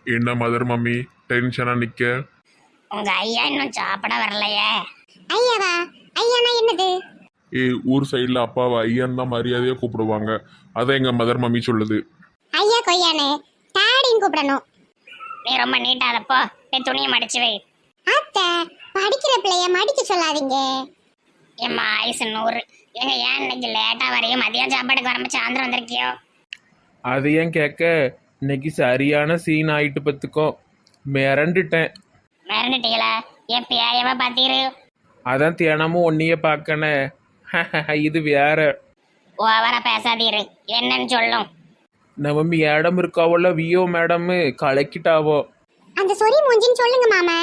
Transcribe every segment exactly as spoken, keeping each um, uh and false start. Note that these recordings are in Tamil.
என்ன மதர் மம்மி டென்ஷனா நிக்க? உங்க ஐயா இன்னும் சாப்பிட வரலையே. ஐயாவா? ஐயானா என்னது? ஏ, ஊர் சைடில் அப்பாவை ஐயன் தான் மரியாதையாக கூப்பிடுவாங்க. அதான் எங்கள் மதர் மம்மி சொல்லுது. ஐயா கொய்யானே டாடின்னு கூப்பிடணும். நீ ரொம்ப நீட்டாதப்போ நீ துணியை மடிச்சு வை. அத்தை, படிக்கிற பிள்ளைய மடிக்க சொல்லாதீங்க. எம்மா ஆயுசு நூறு. எங்க ஏன் இன்னைக்கு லேட்டா வரையும் மதியம் சாப்பாடுக்கு வரம்ப சாயந்தரம் வந்திருக்கியோ? அது ஏன் கேட்க, இன்னைக்கு சரியான சீன் ஆயிட்டு பத்துக்கோ, மிரண்டுட்டேன். மிரண்டுட்டீங்களா? என் பேயவ பாத்தீரு? அதான் தினமும் ஒன்னையே பார்க்கணே. இது வேற. ஓவரா பேசாதீரு, என்னன்னு சொல்லும். நம்ம மேடம் இருக்காவோல, வியோ மேடம் கலக்கிட்டாவோ. அந்த சொறி மூஞ்சின்னு சொல்லுங்க மாமா.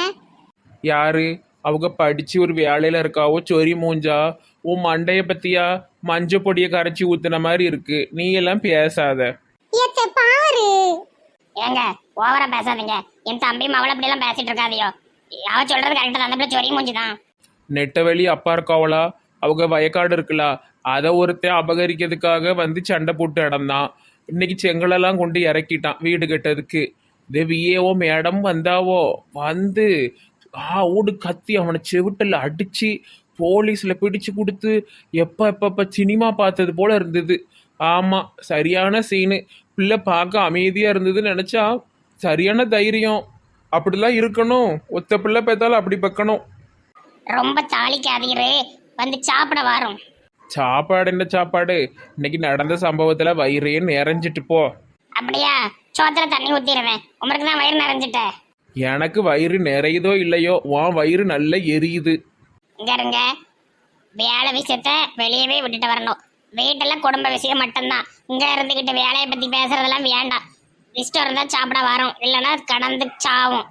யாரு அவங்க? படிச்சு ஒரு வேலையில இருக்காவோ சொறி மூஞ்சா. உன் மண்டைய பத்தியா மஞ்ச பொடியை கரைச்சி ஊத்துன மாதிரி இருக்கு. நீ எல்லாம் பேசாத. ஏத்த பாரு. ஏங்க ஓவரா பேசாதீங்க. என் தம்பி மவளை அப்படி எல்லாம் பேசிட்டு இருக்காதியோ. அவ சொல்றது கரெக்டா தான். அந்த சொறி மூஞ்சிதான். நெட்டவெளி அப்பா இருக்காவளா, அவங்க வயக்காடு இருக்குல்ல, அதை ஒருத்தன் அபகரிக்கிறதுக்காக வந்து சண்டை போட்டு இடந்தான். இன்னைக்கு செங்கலெல்லாம் கொண்டு இறக்கிட்டான் வீடு கட்டதுக்கு. இதே விஏஓ மேடம் வந்தாவோ, வந்து ஆ ஊடு கத்தி அவனை செவிட்டில் அடிச்சு போலீஸில் பிடிச்சு கொடுத்து எப்போ எப்பப்போ சினிமா பார்த்தது போல இருந்தது. ஆமாம், சரியான சீனு. பிள்ளை பார்க்க அமைதியாக இருந்ததுன்னு நினச்சா சரியான தைரியம். அப்படிலாம் இருக்கணும். ஒத்த பிள்ளை பார்த்தாலும் அப்படி பக்கணும். ரொம்ப தாளிக்காதீரு, வந்து சாப்பிட வரும். சாப்பாடு என்ன சாப்பாடு? இன்னைக்கு நடந்த சம்பவத்தில் வயிறே நிறைஞ்சிட்டு போ. அப்படியா? சோத்துல தண்ணி ஊத்திடுவேன். உமருக்கு தான் வயிறு நிறைஞ்சிட்ட. எனக்கு வயிறு நிறையுதோ இல்லையோ, உன் வயிறு நல்லா எரியுது. இங்க இருங்க, வேலை விஷயத்த வெளியவே விட்டுட்டு வரணும். வீட்டெல்லாம் குடும்ப விஷயம் மட்டும்தான். இங்க இருந்துகிட்டு வேலையை பத்தி பேசுறதெல்லாம் வேண்டாம். இஷ்டம் இருந்தா சாப்பிட வரும், இல்லைன்னா கடந்து சாவும்.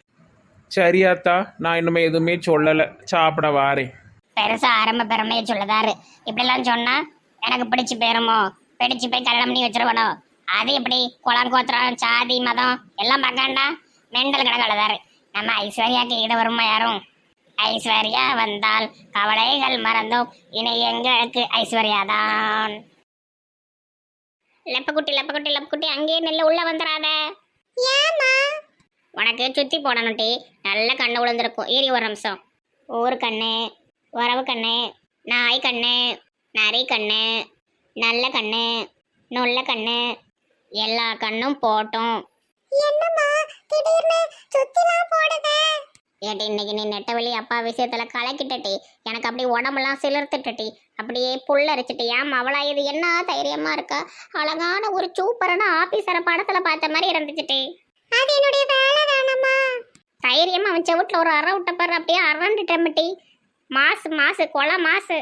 சரியாத்தா, நான் இன்னுமே எதுவுமே சொல்லலை, சாப்பிட வாரேன். பெருசா ஆரம்ப பெருமையை சொல்லதாரு. இப்படிலாம் சொன்னா எனக்கு பிடிச்சு போயிருமோ, பிடிச்சு போய் கல்யாணம் பண்ணி வச்சிருவனோ? அது எப்படி? குளம் கோத்திரம் சாதி மதம் எல்லாம் பார்க்காண்டா மெண்டல் கிடக்கலதாரு. நம்ம ஐஸ்வர்யாக்கு ஈடு வருமா யாரும்? ஐஸ்வர்யா வந்தால் கவலைகள் மறந்தோம், இனி எங்களுக்கு ஐஸ்வர்யாதான். லெப்பக்குட்டி லெப்பக்குட்டி லெப்பக்குட்டி அங்கேயே நெல்ல உள்ள வந்துடாத. ஏமா? உனக்கு சுத்தி போடணும் டி. நல்ல கண்ணு விழுந்திருக்கும். ஏறி ஒரு நிமிஷம். ஊர் கண்ணு, உறவு கண்ணு, நாய் கண்ணு, நரி கண்ணு, நல்ல கண்ணு, நொல்ல கண்ணு, எல்லா கண்ணும் போட்டோம். என்னம்மா திடீர்னு சுத்திலாம் போடுத? ஏட்டி இன்னைக்கு நீ நெட்டவெளி அப்பா விஷயத்துல கலக்கிட்டட்டி. எனக்கு அப்படியே உடம்பெல்லாம் சிலிர்த்துட்டட்டி. அப்படியே புல்லரிச்சிட்டு. ஏன் அவளா இது என்ன தைரியமா இருக்கா? அழகான ஒரு சூப்பரான ஆபீசரை படத்துல பார்த்த மாதிரி இருந்துச்சுட்டி. அது என்னுடைய வேலை தானம்மா. தைரியமா அவன் செவுட்டில் ஒரு அற விட்ட பாரு, அப்படியே அரண்டுட்டமட்டி. மாசு மாசு கொலை மாசு.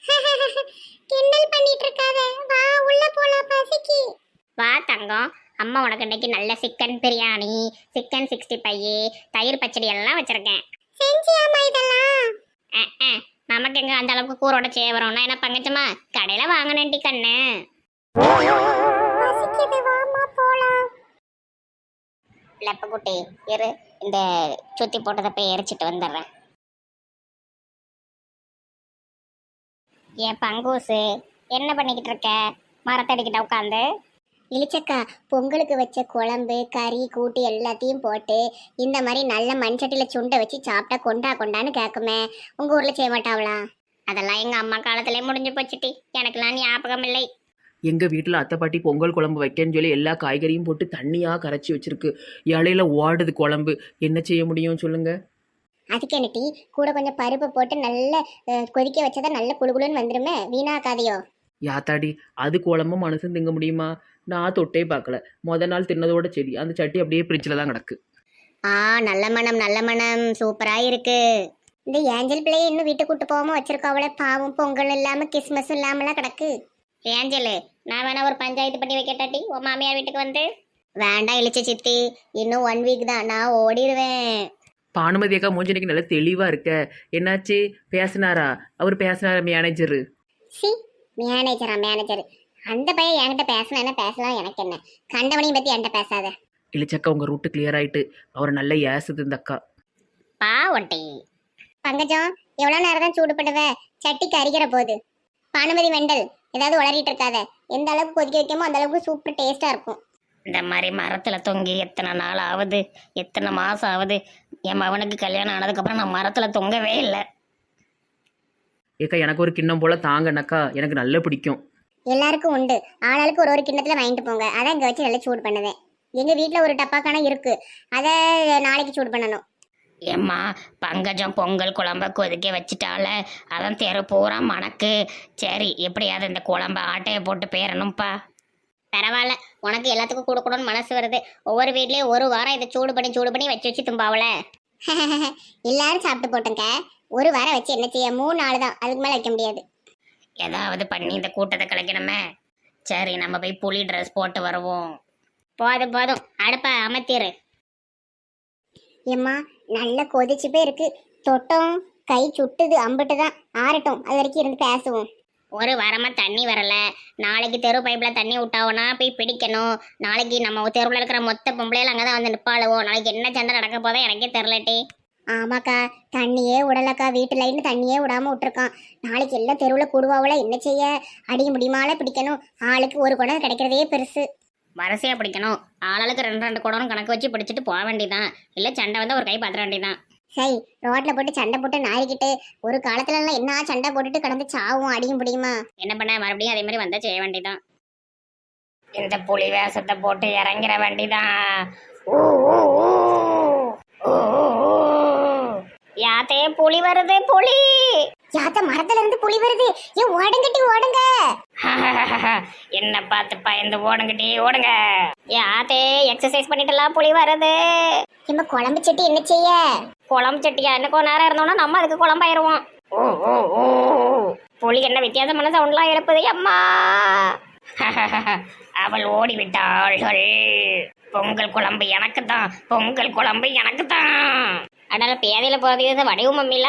கிண்டல் பண்ணிட்டு இருக்காத, வா உள்ள போலாம், பசிக்கு. வா தங்கம், அம்மா உனக்கு இன்னைக்கு நல்ல chicken biryani, chicken sixty five, தயிர் பச்சடி எல்லாம் வச்சிருக்கேன். செஞ்சியாமா இதெல்லாம்? அஹ், அஹ், நமக்கு எங்க அந்த அளவுக்கு கூரோட செய்ய வரும்? நான் என்ன பங்கச்சமா கடையில வாங்கினேன்டி கண்ணு. பசிக்குது, வாமா போலாம். லெப்பக்குட்டி இரு, இந்த சுத்தி போட்டதை போய் எரிச்சிட்டு வந்துடுறேன். என் பங்கூசு என்ன பண்ணிக்கிட்டு இருக்க? மரத்தடிக்கிட்ட உட்காந்து. இளிச்சக்கா, பொங்கலுக்கு வச்ச குழம்பு கறி கூட்டு எல்லாத்தையும் போட்டு இந்த மாதிரி நல்ல மண்சட்டியில சுண்டை வச்சு சாப்பிட்டா கொண்டா கொண்டான்னு கேட்குமே. உங்க ஊர்ல செய்ய மாட்டாங்களா? அதெல்லாம் எங்க அம்மா காலத்திலே முடிஞ்சு போச்சுட்டி. எனக்கெல்லாம் ஞாபகம் இல்லை. எங்கள் வீட்டில் அத்தை பாட்டி பொங்கல் குழம்பு வைக்கன்னு சொல்லி எல்லா காய்கறியும் போட்டு தண்ணியாக கரைச்சி வச்சிருக்கு. இலையில ஓடுது குழம்பு. என்ன செய்ய முடியும் சொல்லுங்க? அதுக்கு என்ன டீ, கூட கொஞ்சம் பருப்பு போட்டு நல்ல அஹ், கொதிக்க வச்சதா நல்ல குளுகுளுன்னு வந்துருமே, வீணாக்காதையோ. யாத்தாடி, அது குழம்பு மனுஷன் திங்க முடியுமா? நான் தொட்டே பார்க்கல. முத நாள் தின்னதோட சரி, அந்த சட்டி அப்படியே ஃப்ரிட்ஜில் தான் கிடக்கு. ஆ, நல்ல மனம் நல்ல மனம், சூப்பரா இருக்கு. இந்த ஏஞ்சல் பிள்ளைய இன்னும் வீட்டுக்கு கூட்டு போகாம வச்சிருக்காவளே, பாவம். பொங்கல் இல்லாம கிறிஸ்மஸும் இல்லாமலாம் கிடக்கு. ஏஞ்சலு, நான் வேணா ஒரு பஞ்சாயத்து பண்ணி வைக்கட்டாட்டி உன் மாமியார் வீட்டுக்கு வந்து? வேண்டாம் இளிச்ச சித்தி, இன்னும் ஒன் வீக் தான், நான் ஓடிடுவேன். பானுமதி அக்கா மூஞ்சனைக்கு நல்லா தெளிவாக இருக்க. என்னாச்சு, பேசினாரா? அவர் பேசினாரா மேனேஜரு? சி, மேனேஜரா மேனேஜர்? அந்த பையன் என்கிட்ட பேசினா என்ன பேசலாம், எனக்கு என்ன? கண்டவனையும் பத்தி என்கிட்ட பேசாத. இல்லச்சக்கா, உங்கள் ரூட்டு கிளியர் ஆயிட்டு. அவர் நல்லா ஏசுது இந்த அக்கா. பா ஒட்டி பங்கஜம், எவ்வளவு நேரம் தான் சூடுபடுவ? சட்டிக்கு அரிக்கிற போது. பானுமதி வெண்டல், ஏதாவது உளறிட்டு இருக்காத. எந்த அளவுக்கு கொதிக்க வைக்கமோ அந்த அளவுக்கு சூப்பர் டேஸ்டா இருக்கும். இந்த மாதிரி மரத்தில் தொங்கி எத்தனை நாள் ஆகுது, எத்தனை மாதம் ஆகுது. என் மகனுக்கு கல்யாணம் ஆனதுக்கப்புறம் நான் மரத்தில் தொங்கவே இல்லை. ஏக்கா எனக்கு ஒரு கிண்ணம் போல் தாங்கண்ணக்கா, எனக்கு நல்லா பிடிக்கும். எல்லாருக்கும் உண்டு, ஆளாளுக்கு ஒரு ஒரு கிண்ணத்துல வாங்கிட்டு போங்க. அதான் இங்க வச்சு நல்லா சூடு பண்ணுவேன். எங்க வீட்டுல ஒரு டப்பாக்கான இருக்கு, அதை நாளைக்கு சூடு பண்ணணும். ஏம்மா பங்கஜம் பொங்கல் குழம்ப கொதிக்க வச்சுட்டால, அதான் தெரு பூரா மணக்கு. சரி எப்படியாவது இந்த குழம்ப ஆட்டையை போட்டு பேரணும்ப்பா. பரவாயில்ல, உனக்கு எல்லாத்துக்கும் கொடுக்கணும்னு மனசு வருது. ஒவ்வொரு வீட்லயும் ஒரு வாரம் இதை சூடு பண்ணி சூடு பண்ணி வச்சு வச்சு தும்பாவல. எல்லாரும் சாப்பிட்டு போட்டோங்க. ஒரு வாரம் வச்சு என்ன செய்ய, மூணு நாள் தான், அதுக்கு மேல வைக்க முடியாது. ஏதாவது பண்ணி இந்த கூட்டத்தை கலைக்கணுமே. சரி நம்ம போய் புலி ட்ரெஸ் போட்டு வருவோம். போதும் போதும், அடுப்ப அமர்த்திரு. ஏம்மா நல்லா கொதிச்சு போய் இருக்கு, தொட்டம் கை சுட்டுது, அம்பிட்டு தான் ஆறட்டும், அது வரைக்கும் இருந்து பேசுவோம். ஒரு வாரமா தண்ணி வரல. நாளைக்கு தெரு பைப்ல தண்ணி விட்டாவோனா போய் பிடிக்கணும். நாளைக்கு நம்ம தெருவில் இருக்கிற மொத்த பொம்பளையில அங்கதான் வந்து நிப்பாளுவோம். நாளைக்கு என்ன சண்டை நடக்க போதோ எனக்கே தெரிலட்டி. ஆமாக்கா, தண்ணியே விடலக்கா, வீட்டு லைன் தண்ணியே விடாம விட்டுருக்கான். நாளைக்கு எல்லாம் தெருவில் கூடுவாவில், என்ன செய்ய, அடிக்க முடியுமால பிடிக்கணும். ஆளுக்கு ஒரு குடம் கிடைக்கிறதே பெருசு. வரிசையா பிடிக்கணும். ஆளாளுக்கு ரெண்டு ரெண்டு குடம் கணக்கு வச்சு பிடிச்சிட்டு போக வேண்டியதான். இல்ல சண்டை வந்தா ஒரு கை பாத்திர வேண்டியதான். சரி, ரோட்ல போட்டு சண்டை போட்டு நாரிக்கிட்டு ஒரு காலத்துல எல்லாம் என்ன சண்டை போட்டுட்டு கடந்து சாவும் அடிக்க முடியுமா? என்ன பண்ண, மறுபடியும் அதே மாதிரி வந்தா செய்ய வேண்டியதான். இந்த புலி வேஷத்தை போட்டு இறங்கிற வேண்டிதான். ஓ ஓ ஓ ஓ யாத்தே புலி வருது, புலி யாத்த மரத்துல இருந்து புலி வருது. ஏன் ஓடுங்கட்டி ஓடுங்க. என்ன பார்த்து பயந்து ஓடுங்கட்டி ஓடுங்க. யாத்தே எக்ஸசைஸ் பண்ணிட்டுலாம் புலி வருது. இம்ம குழம்பு சட்டி என்ன செய்ய? குழம்பு சட்டியா? இன்னும் கொஞ்ச நேரம் இருந்தோம்னா நம்ம அதுக்கு குழம்பாயிருவோம். ஓ ஓ ஓ புலி என்ன வித்தியாசமான சவுண்ட்லாம் எழுப்புது அம்மா. அவள் ஓடி விட்டாள்கள். பொங்கல் குழம்பு எனக்கு தான், பொங்கல் குழம்பு எனக்கு தான். அதனால பேதையில போறது வடிவு மம்மில.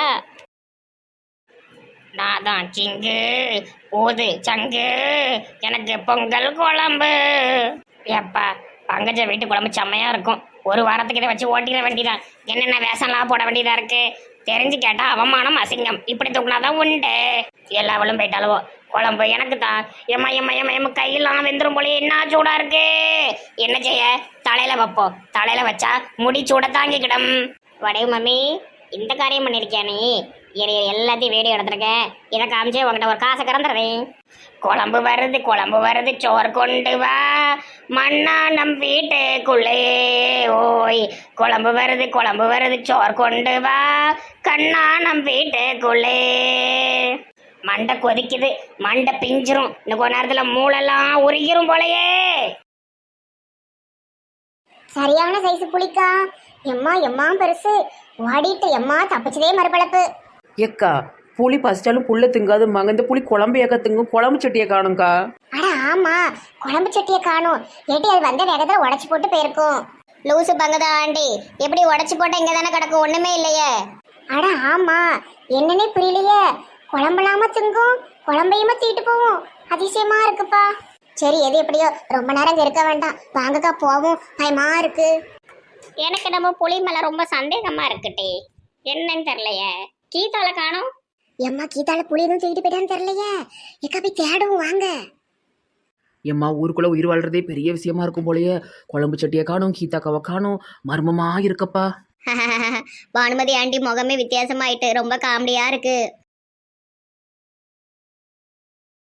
நான் தான் சிங்கு ஊது சங்கு, எனக்கு பொங்கல் குழம்பு. ஏப்பா பங்கஜ வீட்டு குழம்பு செம்மையா இருக்கும். ஒரு வாரத்துக்கு இதை வச்சு ஓட்டிட வேண்டியதான். என்னென்ன வேஷம்லாம் போட வேண்டியதா இருக்கு தெரிஞ்சு கேட்டா அவமானம் அசிங்கம். இப்படி தூக்குனாதான் உண்டு. எல்லாவளும் போயிட்டாலவோ. குழம்பு எனக்கு தான். எம்மா எம்மா எம்மா எம்மா கையெல்லாம் வெந்துரும் போல, என்ன சூடா இருக்கு. என்ன செய்ய, தலையில வைப்போம். தலையில வச்சா முடி சூட தாங்கிக்கிடும். வடைவு மம்மி இந்த காரியம் பண்ணிருக்கியா நீ? எல்லாத்தையும் வீடியோ எடுத்திருக்கேன். இதை காமிச்சே உங்ககிட்ட ஒரு காசை கறந்துடுறேன். குழம்பு வருது குழம்பு வருது, சோறு கொண்டு வா மண்ணா நம் வீட்டுக்குள்ளே. ஓய் குழம்பு வருது குழம்பு வருது, சோறு கொண்டு வா கண்ணா நம் வீட்டுக்குள்ளே. மண்டை கொதிக்குது, மண்டை பிஞ்சிரும். இன்னும் கொஞ்ச நேரத்துல மூளெல்லாம் உருகிரும் போலயே. சரியான சைஸ் புளிக்கா. எம்மா எம்மா பெருசு. ஓடிட்டு எம்மா தப்பிச்சதே மறுபளப்பு. ஏக்கா புளி பசிச்சாலும் புல்ல திங்காதும்பாங்க, இந்த புளி குழம்பு ஏக்க திங்கும். குழம்பு சட்டியை காணும்க்கா. அட ஆமா, குழம்பு சட்டியை காணும். ஏட்டி அது வந்த வேகத்துல உடைச்சு போட்டு போயிருக்கும். லூசு பங்கதா ஆண்டி, எப்படி உடச்சு போட்டா இங்க தானே கிடக்கும், ஒண்ணுமே இல்லையே. அட ஆமா, என்னன்னே புரியலையே. குழம்புலாம திங்கும், குழம்பையுமா தீட்டு போவோம். அதிசயமா இருக்குப்பா. சரி எது எப்படியோ, ரொம்ப நேரம் இங்க இருக்க வேண்டாம், வாங்கக்கா போவோம், பயமா இருக்கு. எனக்கு நம்ம புலி மேல ரொம்ப சந்தேகமா இருக்குட்டே. என்னன்னு தெரியலையே. கீதால காணோம். எம்மா கீதால புளி எதுவும் தூக்கிட்டு போயிட்டான்னு தெரியலையே. எக்கா போய் தேடுவோம் வாங்க. எம்மா ஊருக்குள்ள உயிர் வாழ்றதே பெரிய விஷயமா இருக்கும் போலயே. குழம்பு சட்டியை காணும், கீதாக்காவை காணும், மர்மமா இருக்கப்பா. பானுமதி ஆண்டி முகமே வித்தியாசமாயிட்டு ரொம்ப காமெடியா இருக்கு.